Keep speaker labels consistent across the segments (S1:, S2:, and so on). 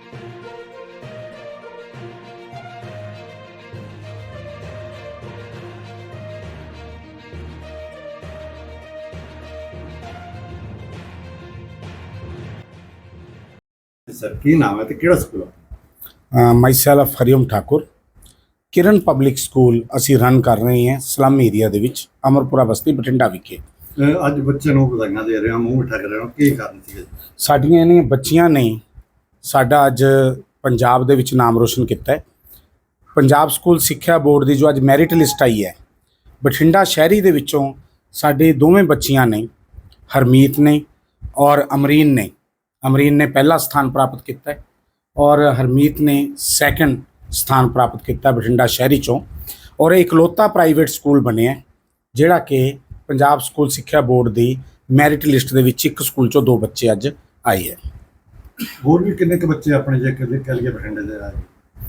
S1: Sir की नाम है तो ਕਿਹੜਾ ਸਕੂਲ ਹੈ?
S2: Myself Hariom Thakur Kiran public school ਅਸੀਂ ਰਨ ਕਰ ਰਹੇ ਹਾਂ ਸਲਮ ਏਰੀਆ ਦੇ ਵਿੱਚ ਅਮਰਪੁਰਾ ਬਸਤੀ ਬਠਿੰਡਾ ਵਿਖੇ।
S1: ਅੱਜ ਬੱਚੇ ਨੂੰ ਵਧਾਈਆਂ ਦੇ ਰਹੇ ਹਾਂ, ਮੂੰਹ ਮਿੱਠਾ ਕਰ ਰਹੇ ਹਾਂ, ਕੀ ਕਾਰਨ ਸੀ?
S2: ਸਾਡੀਆਂ ਇਹਨਾਂ ਬੱਚੀਆਂ ਨੇ ਸਾਡਾ ਅੱਜ ਪੰਜਾਬ ਦੇ ਵਿੱਚ ਨਾਮ ਰੋਸ਼ਨ ਕੀਤਾ ਹੈ। ਪੰਜਾਬ ਸਕੂਲ ਸਿੱਖਿਆ ਬੋਰਡ ਦੀ ਜੋ ਅੱਜ ਮੈਰਿਟ ਲਿਸਟ ਆਈ ਹੈ, ਬਠਿੰਡਾ ਸ਼ਹਿਰੀ ਦੇ ਵਿੱਚੋਂ ਸਾਡੇ ਦੋਵੇਂ ਬੱਚੀਆਂ ਨੇ, ਹਰਮੀਤ ਨੇ ਔਰ ਅਮਰੀਨ ਨੇ। अमरीन ने पहला स्थान प्राप्त किया है और हरमीत ने सैकेंड स्थान प्राप्त किया बठिंडा शहरी चों। और इकलौता प्राइवेट स्कूल बने जिहड़ा कि पंजाब स्कूल सिक्ख्या बोर्ड की मैरिट लिस्ट के एक स्कूल चों 2 बच्चे अज आए हैं।
S1: होर भी कितने के बच्चे अपने जे कह लिए बठिंडे दे आए?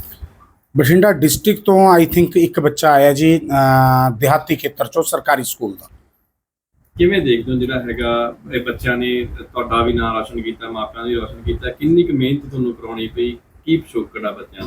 S2: बठिंडा डिस्ट्रिक्ट तो आई थिंक एक बच्चा आया जी देहाती खेतर चों सरकारी स्कूल का।
S3: ਕਿਵੇਂ ਦੇਖਦੇ ਹੋ ਜਿਹੜਾ ਹੈਗਾ ਇਹ ਬੱਚਿਆਂ ਨੇ ਤੁਹਾਡਾ ਵੀ ਨਾਮ ਰੋਸ਼ਨ ਕੀਤਾ, ਮਾਪਿਆਂ ਦਾ ਵੀ ਰੋਸ਼ਨ ਕੀਤਾ, ਕਿੰਨੀ ਕੁ ਮਿਹਨਤ ਤੁਹਾਨੂੰ ਕਰਾਉਣੀ ਪਈ, ਕੀ ਪਿਛੋਕੜ ਆ ਬੱਚਿਆਂ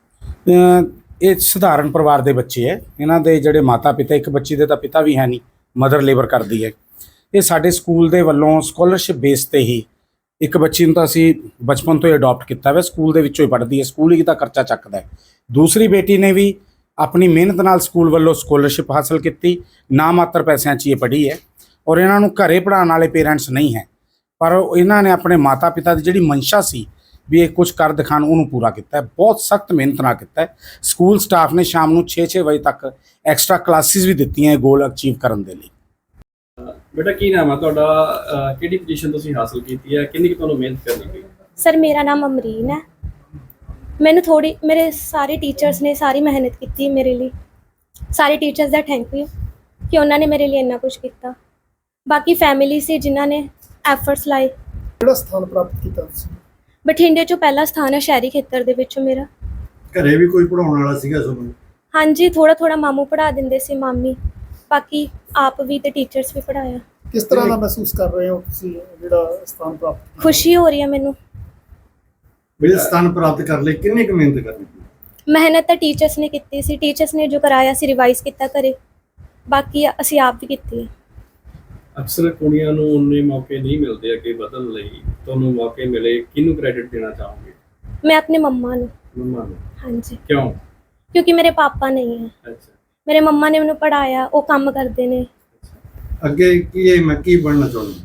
S3: ਦਾ?
S2: ਇਹ ਸਧਾਰਨ ਪਰਿਵਾਰ ਦੇ ਬੱਚੇ ਹੈ। ਇਹਨਾਂ ਦੇ ਜਿਹੜੇ ਮਾਤਾ ਪਿਤਾ, ਇੱਕ ਬੱਚੀ ਦੇ ਤਾਂ ਪਿਤਾ ਵੀ ਹੈ ਨਹੀਂ, ਮਦਰ ਲੇਬਰ ਕਰਦੀ ਹੈ। ਇਹ ਸਾਡੇ ਸਕੂਲ ਦੇ ਵੱਲੋਂ ਸਕਾਲਰਸ਼ਿਪ ਬੇਸ ਤੇ ਹੀ ਇੱਕ ਬੱਚੀ ਨੂੰ ਤਾਂ ਅਸੀਂ ਬਚਪਨ ਤੋਂ ਹੀ ਅਡਾਪਟ ਕੀਤਾ ਵਾ, ਸਕੂਲ ਦੇ ਵਿੱਚੋਂ ਹੀ ਪੜ੍ਹਦੀ ਹੈ, ਸਕੂਲ ਹੀ ਤਾਂ ਖਰਚਾ ਚੱਕਦਾ ਹੈ। ਦੂਸਰੀ ਬੇਟੀ ਨੇ ਵੀ ਆਪਣੀ ਮਿਹਨਤ ਨਾਲ ਸਕੂਲ ਵੱਲੋਂ ਸਕਾਲਰਸ਼ਿਪ ਹਾਸਲ ਕੀਤੀ, ਨਾ ਮਾਤਰ ਪੈਸਿਆਂ 'ਚ ਇਹ ਪੜ੍ਹੀ ਹੈ। ਔਰ ਇਹਨਾਂ ਨੂੰ ਘਰੇ ਪੜ੍ਹਾਉਣ ਵਾਲੇ ਪੇਰੈਂਟਸ ਨਹੀਂ ਹੈ, ਪਰ ਇਹਨਾਂ ਨੇ ਆਪਣੇ ਮਾਤਾ ਪਿਤਾ ਦੀ ਜਿਹੜੀ ਮਨਸ਼ਾ ਸੀ ਵੀ ਇਹ ਕੁਝ ਕਰ ਦਿਖਾਣ, ਉਹਨੂੰ ਪੂਰਾ ਕੀਤਾ ਹੈ। ਬਹੁਤ ਸਖਤ ਮਿਹਨਤ ਨਾਲ ਕੀਤਾ ਹੈ। ਸਕੂਲ ਸਟਾਫ ਨੇ ਸ਼ਾਮ ਨੂੰ 6-6 ਵਜੇ ਤੱਕ ਐਕਸਟਰਾ ਕਲਾਸਿਸ ਵੀ ਦਿੱਤੀਆਂ ਗੋਲ ਅਚੀਵ ਕਰਨ ਦੇ ਲਈ।
S3: ਬੇਟਾ ਕੀ ਨਾਮ ਹੈ ਤੁਹਾਡਾ, ਕਿਹੜੀ ਪੋਜੀਸ਼ਨ ਤੁਸੀਂ ਹਾਸਲ ਕੀਤੀ ਹੈ, ਕਿੰਨੀ ਕੁ ਤੁਹਾਨੂੰ ਮਿਹਨਤ ਕਰਨੀ ਪਈ?
S4: ਸਰ ਮੇਰਾ ਨਾਮ ਅਮਰੀਨ ਹੈ। ਮੈਨੂੰ ਮੇਰੇ ਸਾਰੇ ਟੀਚਰਸ ਨੇ ਸਾਰੀ ਮਿਹਨਤ ਕੀਤੀ ਮੇਰੇ ਲਈ। ਸਾਰੇ ਟੀਚਰਸ ਦਾ ਥੈਂਕ ਯੂ ਕਿ ਉਹਨਾਂ ਨੇ ਮੇਰੇ ਲਈ ਇੰਨਾ ਕੁਝ ਕੀਤਾ। ਬਾਕੀ ਫੈਮਿਲੀ ਸੀ ਜਿਨ੍ਹਾਂ ਨੇ ਐਫਰਟਸ ਲਾਏ।
S5: ਕਿਹੜਾ ਸਥਾਨ ਪ੍ਰਾਪਤ ਕੀਤਾ ਤੁਸੀਂ?
S4: ਬਠਿੰਡੇ 'ਚੋਂ ਪਹਿਲਾ ਸਥਾਨ ਹੈ ਸ਼ਹਿਰੀ ਖੇਤਰ ਦੇ ਵਿੱਚੋਂ ਮੇਰਾ।
S1: ਘਰੇ ਵੀ ਕੋਈ ਪੜਾਉਣ ਵਾਲਾ ਸੀਗਾ ਤੁਹਾਨੂੰ?
S4: ਹਾਂਜੀ, ਥੋੜਾ ਮਾਮੂ ਪੜ੍ਹਾ ਦਿੰਦੇ ਸੀ, ਮਾਮੀ, ਬਾਕੀ ਆਪ ਵੀ ਤੇ ਟੀਚਰਸ ਵੀ ਪੜ੍ਹਾਇਆ।
S5: ਕਿਸ ਤਰ੍ਹਾਂ ਦਾ ਮਹਿਸੂਸ ਕਰ ਰਹੇ ਹੋ ਤੁਸੀਂ ਜਿਹੜਾ ਸਥਾਨ ਪ੍ਰਾਪਤ ਕੀਤਾ?
S4: ਖੁਸ਼ੀ ਹੋ ਰਹੀ ਹੈ ਮੈਨੂੰ।
S1: ਵੀ ਸਥਾਨ ਪ੍ਰਾਪਤ ਕਰ ਲਈ ਕਿੰਨੀ ਕੁ ਮਿਹਨਤ ਕਰਨੀ ਪਈ?
S4: ਮਿਹਨਤ ਤਾਂ ਟੀਚਰਸ ਨੇ ਕੀਤੀ ਸੀ, ਟੀਚਰਸ ਨੇ ਜੋ ਕਰਾਇਆ ਸੀ ਰਿਵਾਈਜ਼ ਕੀਤਾ ਘਰੇ, ਬਾਕੀ ਅਸੀਂ ਆਪ ਵੀ ਕੀਤੀ ਹੈ।
S3: ਅਕਸਰ ਕੁੜੀਆਂ ਨੂੰ ਉਨੇ ਮੌਕੇ ਨਹੀਂ ਮਿਲਦੇ ਅੱਗੇ ਵਧਣ ਲਈ, ਤੁਹਾਨੂੰ ਮੌਕੇ ਮਿਲੇ, ਕਿਹਨੂੰ ਕ੍ਰੈਡਿਟ ਦੇਣਾ ਚਾਹੋਗੇ?
S4: ਮੈਂ ਆਪਣੇ ਮੰਮਾ ਨੂੰ।
S3: ਮੰਮਾ ਨੂੰ?
S4: ਹਾਂਜੀ।
S3: ਕਿਉਂ?
S4: ਕਿਉਂਕਿ ਮੇਰੇ ਪਾਪਾ ਨਹੀਂ ਹੈ।
S3: ਅੱਛਾ।
S4: ਮੇਰੇ ਮੰਮਾ ਨੇ ਮੈਨੂੰ ਪੜ੍ਹਾਇਆ, ਉਹ ਕੰਮ ਕਰਦੇ ਨੇ।
S1: ਅੱਗੇ ਕੀ ਮੈਂ ਕੀ ਬਣਨਾ ਚਾਹੁੰਦੀ?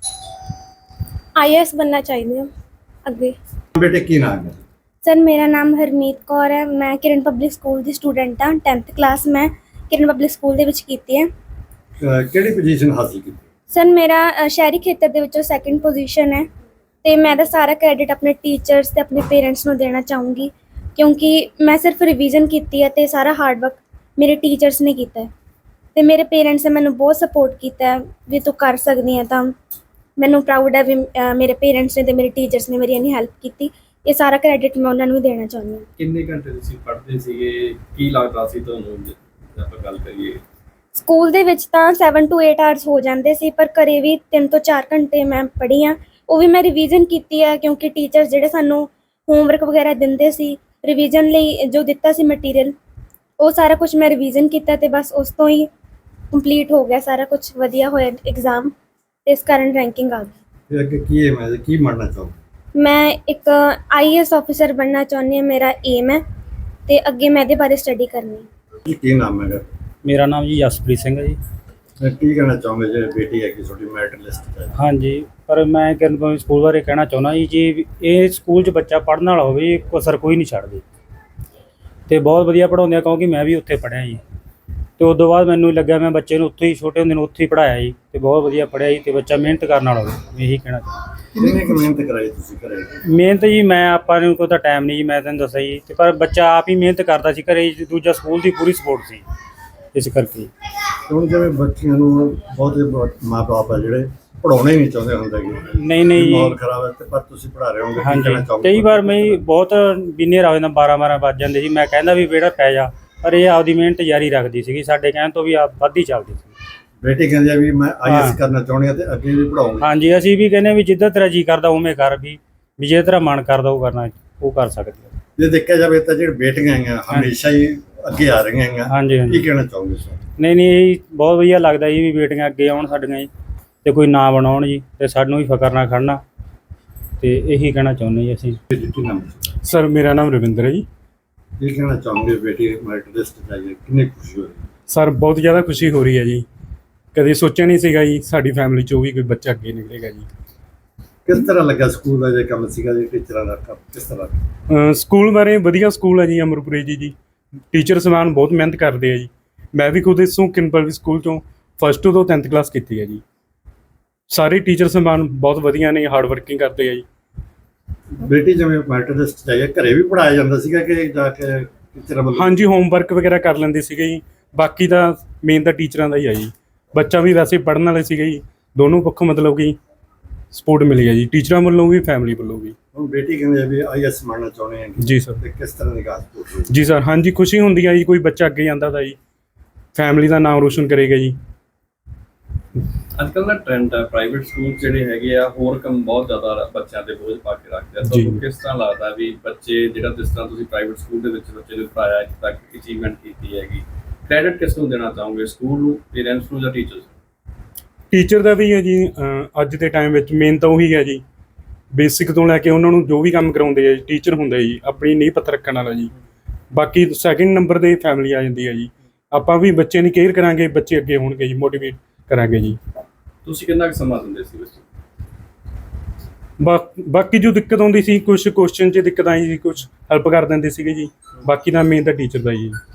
S4: IAS बनना चाहिए हम ਅੱਗੇ।
S1: ਬੇਟੇ ਕੀ ਨਾਮ ਹੈ?
S4: ਸਰ ਮੇਰਾ ਨਾਮ ਹਰਮੀਤ ਕੌਰ ਹੈ। ਮੈਂ ਕਿਰਨ ਪਬਲਿਕ ਸਕੂਲ ਦੀ ਸਟੂਡੈਂਟ ਹਾਂ। 10th ਕਲਾਸ ਮੈਂ ਕਿਰਨ ਪਬਲਿਕ ਸਕੂਲ ਦੇ ਵਿੱਚ ਕੀਤੀ ਹੈ।
S1: ਕਿਹੜੀ ਪੋਜੀਸ਼ਨ ਹਾਸਲ ਕੀਤੀ?
S4: ਸਰ ਮੇਰਾ ਸ਼ਹਿਰੀ ਖੇਤਰ ਦੇ ਵਿੱਚੋਂ 2nd ਪੋਜੀਸ਼ਨ ਹੈ ਤੇ ਮੈਂ ਤਾਂ ਸਾਰਾ ਕ੍ਰੈਡਿਟ ਆਪਣੇ ਟੀਚਰਸ ਤੇ ਆਪਣੇ ਪੇਰੈਂਟਸ ਨੂੰ ਦੇਣਾ ਚਾਹੂੰਗੀ, ਕਿਉਂਕਿ ਮੈਂ ਸਿਰਫ ਰਿਵੀਜ਼ਨ ਕੀਤੀ ਹੈ ਤੇ ਸਾਰਾ ਹਾਰਡ ਵਰਕ ਮੇਰੇ ਟੀਚਰਸ ਨੇ ਕੀਤਾ ਹੈ ਤੇ ਮੇਰੇ ਪੇਰੈਂਟਸ ਨੇ ਮੈਨੂੰ ਬਹੁਤ ਸਪੋਰਟ ਕੀਤਾ ਹੈ ਵੀ ਤੂੰ ਕਰ ਸਕਦੀ ਹੈ। ਤਾਂ ਮੈਨੂੰ ਪ੍ਰਾਊਡ ਹੈ ਵੀ ਮੇਰੇ ਪੇਰੈਂਟਸ ਨੇ ਤੇ ਮੇਰੇ ਟੀਚਰਸ ਨੇ ਮੇਰੀ ਇੰਨੀ ਹੈਲਪ ਕੀਤੀ। ਇਹ ਸਾਰਾ ਕ੍ਰੈਡਿਟ ਮੈਂ ਉਹਨਾਂ ਨੂੰ ਦੇਣਾ ਚਾਹੁੰਦੀ ਹਾਂ।
S3: ਕਿੰਨੇ ਘੰਟੇ ਤੁਸੀਂ ਪੜ੍ਹਦੇ ਸੀਗੇ, ਕੀ ਲੱਗਦਾ ਸੀ ਤੁਹਾਨੂੰ ਜੇ ਆਪਾਂ ਗੱਲ ਕਰੀਏ?
S4: ਸਕੂਲ ਦੇ ਵਿੱਚ ਤਾਂ 7 to 8 ਆਵਰਸ ਹੋ ਜਾਂਦੇ ਸੀ, ਪਰ ਘਰੇ ਵੀ 3 ਤੋਂ 4 ਘੰਟੇ ਮੈਂ ਪੜ੍ਹੀ ਹਾਂ। ਉਹ ਵੀ ਮੈਂ ਰਿਵੀਜ਼ਨ ਕੀਤੀ ਹੈ, ਕਿਉਂਕਿ ਟੀਚਰਸ ਜਿਹੜੇ ਸਾਨੂੰ ਹੋਮਵਰਕ ਵਗੈਰਾ ਦਿੰਦੇ ਸੀ ਰਿਵੀਜ਼ਨ ਲਈ, ਜੋ ਦਿੱਤਾ ਸੀ ਮਟੀਰੀਅਲ, ਉਹ ਸਾਰਾ ਕੁਝ ਮੈਂ ਰਿਵੀਜ਼ਨ ਕੀਤਾ ਤੇ ਬਸ ਉਸ ਤੋਂ ਹੀ ਕੰਪਲੀਟ ਹੋ ਗਿਆ ਸਾਰਾ ਕੁਝ। ਵਧੀਆ ਹੋਇਆ ਐਗਜ਼ਾਮ ਤੇ ਇਸ ਕਾਰਨ ਰੈਂਕਿੰਗ ਆ ਗਈ।
S1: ਅੱਗੇ ਕੀ ਹੈ, ਮੈਂ ਕੀ ਬਣਨਾ ਚਾਹੁੰਦਾ?
S4: ਮੈਂ ਇੱਕ IAS ਆਫਿਸਰ ਬਣਨਾ ਚਾਹੁੰਦੀ ਹਾਂ, ਮੇਰਾ ਏਮ ਹੈ ਤੇ ਅੱਗੇ ਮੈਂ ਇਹਦੇ ਬਾਰੇ ਸਟੱਡੀ ਕਰਨੀ ਹੈ।
S1: ਕੀ ਨਾਮ ਹੈਗਾ?
S6: ਮੇਰਾ ਨਾਮ ਜੀ ਜਸਪ੍ਰੀਤ ਸਿੰਘ ਹੈ ਜੀ।
S1: ਕੀ ਕਹਿਣਾ ਚਾਹੁੰਦੇ ਜੇ ਬੇਟੀ ਹੈ ਕਿ ਤੁਹਾਡੀ ਮੈਰਿਟ ਲਿਸਟ ਹੈ?
S6: ਹਾਂਜੀ, ਪਰ ਮੈਂ ਕਿਰਨ ਪਬਲਿਕ ਸਕੂਲ ਬਾਰੇ ਕਹਿਣਾ ਚਾਹੁੰਦਾ ਜੀ, ਜੇ ਇਹ ਸਕੂਲ 'ਚ ਬੱਚਾ ਪੜ੍ਹਨ ਵਾਲਾ ਹੋਵੇ, ਇਹ ਕਸਰ ਕੋਈ ਨਹੀਂ ਛੱਡਦੇ ਅਤੇ ਬਹੁਤ ਵਧੀਆ ਪੜ੍ਹਾਉਂਦੇ ਆ, ਕਿਉਂਕਿ ਮੈਂ ਵੀ ਉੱਥੇ ਪੜ੍ਹਿਆ ਜੀ। ਅਤੇ ਉਸ ਤੋਂ ਬਾਅਦ ਮੈਨੂੰ ਲੱਗਿਆ ਮੈਂ ਬੱਚੇ ਨੂੰ ਉੱਥੇ ਹੀ, ਛੋਟੇ ਹੁੰਦੇ ਨੂੰ ਉੱਥੇ ਹੀ ਪੜ੍ਹਾਇਆ ਜੀ, ਅਤੇ ਬਹੁਤ ਵਧੀਆ ਪੜ੍ਹਿਆ ਜੀ। ਅਤੇ ਬੱਚਾ ਮਿਹਨਤ ਕਰਨ ਵਾਲਾ ਹੋਵੇ, ਇਹੀ ਕਹਿਣਾ ਚਾਹੁੰਦਾ।
S1: ਕਿੰਨੀ ਕੁ ਮਿਹਨਤ ਕਰਾਈ ਤੁਸੀਂ ਘਰੇ?
S6: ਮਿਹਨਤ ਜੀ ਮੈਂ ਆਪਾਂ ਨੂੰ ਕੋਈ ਤਾਂ ਟਾਈਮ ਨਹੀਂ ਜੀ, ਮੈਂ ਤੁਹਾਨੂੰ ਦੱਸਿਆ ਜੀ, ਅਤੇ ਪਰ ਬੱਚਾ ਆਪ ਹੀ ਮਿਹਨਤ ਕਰਦਾ ਸੀ ਘਰੇ ਜੀ। ਦੂਜਾ ਸਕੂਲ ਦੀ ਪੂਰੀ ਸਪੋਰਟ ਸੀ ਇਸ ਕਰਕੇ।
S1: ਹੁਣ ਜਿਵੇਂ ਬੱਚਿਆਂ ਨੂੰ ਬਹੁਤ ਮਾਂ ਬਾਪ ਆ ਜਿਹੜੇ ਪੜ੍ਹਾਉਣਾ ਹੀ ਨਹੀਂ ਚਾਹੁੰਦੇ ਹੁੰਦੇ ਕਿ
S6: ਨਹੀਂ ਜੀ,
S1: ਮਾਹੌਲ ਖਰਾਬ ਹੈ, ਤੇ ਪਰ ਤੁਸੀਂ ਪੜ੍ਹਾ ਰਹੇ ਹੋਗੇ।
S6: ਹਾਂਜੀ, ਕਈ ਵਾਰ ਮੈਂ ਬਹੁਤ ਬਿਨੇਰ ਆ ਜਾਂਦਾ, 12 ਵੱਜ ਜਾਂਦੇ ਸੀ। ਮੈਂ ਕਹਿੰਦਾ ਵੀ ਬੇਟਾ ਪੈ ਜਾ, ਪਰ ਇਹ ਆਪਦੀ ਮਿਹਨਤ ਜਾਰੀ ਰੱਖਦੀ ਸੀਗੀ, ਸਾਡੇ ਕਹਿਣ ਤੋਂ ਵੀ ਆਪ ਵੱਧ ਹੀ ਚੱਲਦੀ ਸੀ।
S1: ਬੇਟੀ ਕਹਿੰਦੀ ਆ ਵੀ ਮੈਂ IAS ਕਰਨਾ ਚਾਹੁੰਦੀ ਹਾਂ ਤੇ ਅੱਗੇ ਵੀ ਪੜਾਉਂਗੀ।
S6: ਹਾਂਜੀ, ਅਸੀਂ ਵੀ ਕਹਿੰਦੇ ਵੀ ਜਿੱਦਾਂ ਤੇਰਾ ਜੀ ਕਰਦਾ ਉਵੇਂ ਕਰ, ਵੀ ਜੇ ਤੇਰਾ ਮਨ ਕਰਦਾ ਉਹ ਕਰਨਾ। ਉਹ ਕਰ ਸਕਦੇ ਆ।
S1: ਜੇ ਦੇਖਿਆ ਜਾਵੇ ਤਾਂ ਜਿਹੜੇ ਬੇਟੀਆਂ ਹੈਗੀਆਂ ਹਮੇਸ਼ਾ ਹੀ ਅੱਗੇ ਆ ਰਹੀਆਂ ਹੈਗੀਆਂ,
S6: ਹਾਂਜੀ
S1: ਕੀ
S6: ਹਾਂਜੀ
S1: ਕਹਿਣਾ ਚਾਹੋਗੇ ਸਰ?
S6: ਨਹੀਂ ਇਹ ਬਹੁਤ ਵਧੀਆ ਲੱਗਦਾ ਜੀ ਵੀ ਬੇਟੀਆਂ ਅੱਗੇ ਆਉਣ ਸਾਡੀਆਂ ਜੀ ਤੇ ਕੋਈ ਨਾਂ ਬਣਾਉਣ ਜੀ ਤੇ ਸਾਨੂੰ ਵੀ ਫਕਰ ਨਾਲ ਖੜਨਾ, ਤੇ ਇਹੀ ਕਹਿਣਾ ਚਾਹੁੰਦੇ ਜੀ ਅਸੀਂ।
S1: ਕੀ ਨਾਮ ਹੈ?
S7: ਸਰ ਮੇਰਾ ਨਾਮ ਰਵਿੰਦਰ ਹੈ ਜੀ।
S1: ਕੀ ਕਹਿਣਾ ਚਾਹੋਗੇ ਬੇਟੀ ਮੈਰਿਟ ਲਿਸਟ 'ਚ ਆਈ ਹੈ, ਕਿੰਨੀ ਖੁਸ਼ੀ ਹੋਈ?
S7: ਸਰ ਬਹੁਤ ਜ਼ਿਆਦਾ ਖੁਸ਼ੀ ਹੋ ਰਹੀ ਹੈ ਜੀ। ਕਦੇ ਸੋਚਿਆ ਨਹੀਂ ਸੀਗਾ ਜੀ ਸਾਡੀ ਫੈਮਿਲੀ 'ਚੋਂ ਵੀ ਕੋਈ ਬੱਚਾ ਅੱਗੇ ਨਿਕਲੇਗਾ ਜੀ।
S1: ਕਿਸ ਤਰ੍ਹਾਂ ਲੱਗਾ ਸਕੂਲ ਦਾ ਜੇ ਕੰਮ ਸੀਗਾ ਜੀ, ਟੀਚਰਾਂ ਦਾ ਕੰਮ ਕਿਸ ਤਰ੍ਹਾਂ?
S7: ਸਕੂਲ ਬਾਰੇ ਵਧੀਆ ਸਕੂਲ ਹੈ ਜੀ ਅਮਰਪੁਰੇ ਜੀ। ਟੀਚਰ ਸਮਾਨ ਬਹੁਤ ਮਿਹਨਤ ਕਰਦੇ ਆ ਜੀ। ਮੈਂ ਵੀ ਖੁਦ ਇਸੋਂ ਕਿੰਪਲ ਸਕੂਲ ਚੋਂ ਫਸਟ ਤੋਂ 10th ਕਲਾਸ ਕੀਤੀ ਹੈ ਜੀ। ਸਾਰੇ ਟੀਚਰ ਸਮਾਨ ਬਹੁਤ ਵਧੀਆ ਨੇ, ਹਾਰਡ ਵਰਕਿੰਗ ਕਰਦੇ ਆ ਜੀ।
S1: ਬੇਟੀ ਜਿਵੇਂ ਮੈਰਿਟ ਲਿਸਟ 'ਚ ਆਈ ਹੈ, ਘਰੇ ਵੀ ਪੜਾਇਆ ਜਾਂਦਾ ਸੀਗਾ ਕਿ ਜਾ ਕੇ ਟੀਚਰਾਂ ਵੱਲੋਂ?
S7: ਹਾਂਜੀ ਹੋਮਵਰਕ ਵਗੈਰਾ ਕਰ ਲੈਂਦੇ ਸੀਗੇ ਜੀ। ਬਾਕੀ ਤਾਂ ਮੇਨ ਤਾਂ ਟੀਚਰਾਂ ਦਾ ਹੀ ਆ ਜੀ। ਬੱਚਾ ਵੀ ਵੈਸੇ ਪੜ੍ਹਨ ਵਾਲੇ ਸੀਗੇ ਜੀ। ਦੋਨੋਂ ਪੱਖੋਂ ਮਤਲਬ ਕਿ ਸਪੋਰਟ ਮਿਲੀ ਹੈ ਜੀ, ਟੀਚਰਾਂ ਵੱਲੋਂ ਵੀ ਫੈਮਿਲੀ ਵੱਲੋਂ ਵੀ।
S1: ਹੁਣ ਬੇਟੀ ਕਹਿੰਦੇ ਆ ਵੀ IAS ਬਣਨਾ ਚਾਹੁੰਦੇ ਆ
S7: ਜੀ ਸਰ।
S1: ਤੇ ਕਿਸ ਤਰ੍ਹਾਂ ਦੀ ਗੱਲ ਹੋਈ?
S7: ਜੀ ਸਰ, ਹਾਂਜੀ ਖੁਸ਼ੀ ਹੁੰਦੀ ਹੈ ਜੀ ਕੋਈ ਬੱਚਾ ਅੱਗੇ ਜਾਂਦਾ ਤਾਂ ਜੀ, ਫੈਮਿਲੀ ਦਾ ਨਾਮ ਰੋਸ਼ਨ ਕਰੇਗਾ ਜੀ।
S3: ਅੱਜ ਕੱਲ੍ਹ ਦਾ ਟ੍ਰੈਂਡ ਹੈ ਪ੍ਰਾਈਵੇਟ ਸਕੂਲ ਜਿਹੜੇ ਹੈਗੇ ਆ ਹੋਰ ਕੰਮ ਬਹੁਤ ਜ਼ਿਆਦਾ ਬੱਚਿਆਂ ਦੇ ਬੋਝ ਪਾ ਕੇ ਰੱਖਦੇ ਆ।
S7: ਜੀ।
S3: ਤੁਹਾਨੂੰ ਕਿਸ ਤਰ੍ਹਾਂ ਲੱਗਦਾ ਵੀ ਬੱਚੇ ਜਿਹੜਾ ਜਿਸ ਤਰ੍ਹਾਂ ਤੁਸੀਂ ਪ੍ਰਾਈਵੇਟ ਸਕੂਲ ਦੇ ਵਿੱਚ ਬੱਚੇ ਨੂੰ ਪੜਾਇਆ, ਇੱਥੇ ਤੱਕ ਅਚੀਵਮੈਂਟ ਕੀਤੀ ਹੈਗੀ, ਕ੍ਰੈਡਿਟ ਕਿਸ ਨੂੰ ਦੇਣਾ ਚਾਹੋਗੇ, ਸਕੂਲ ਨੂੰ, ਪੇਰੈਂਟਸ ਨੂੰ ਜਾਂ ਟੀਚਰਸ?
S7: ਟੀਚਰ ਦਾ ਵੀ ਹੈ ਜੀ। ਅੱਜ ਦੇ ਟਾਈਮ ਵਿੱਚ ਮੇਨ ਤਾਂ ਉਹੀ ਹੈ ਜੀ, ਬੇਸਿਕ ਤੋਂ ਲੈ ਕੇ ਉਹਨਾਂ ਨੂੰ ਜੋ ਵੀ ਕੰਮ ਕਰਾਉਂਦੇ ਆ ਜੀ ਟੀਚਰ ਹੁੰਦਾ ਜੀ, ਆਪਣੀ ਨੀਂਹ ਪੱਥਰ ਰੱਖਣ ਵਾਲਾ ਜੀ। ਬਾਕੀ ਸੈਕਿੰਡ ਨੰਬਰ 'ਤੇ ਫੈਮਿਲੀ ਆ ਜਾਂਦੀ ਹੈ ਜੀ। ਆਪਾਂ ਵੀ ਬੱਚਿਆਂ ਦੀ ਕੇਅਰ ਕਰਾਂਗੇ, ਬੱਚੇ ਅੱਗੇ ਹੋਣਗੇ ਜੀ, ਮੋਟੀਵੇਟ ਕਰਾਂਗੇ ਜੀ।
S3: ਤੁਸੀਂ ਕਿੰਨਾ ਕੁ ਸਮਾਂ ਦਿੰਦੇ ਸੀ ਬੱਚੇ?
S7: ਬਾਕੀ ਜੋ ਦਿੱਕਤ ਆਉਂਦੀ ਸੀ, ਕੁਝ ਕੁਐਸਚਨ 'ਚ ਦਿੱਕਤ ਆਈ ਸੀ, ਕੁਝ ਹੈਲਪ ਕਰ ਦਿੰਦੇ ਸੀਗੇ ਜੀ। ਬਾਕੀ ਤਾਂ ਮੇਨ ਤਾਂ ਟੀਚਰ ਦਾ ਜੀ।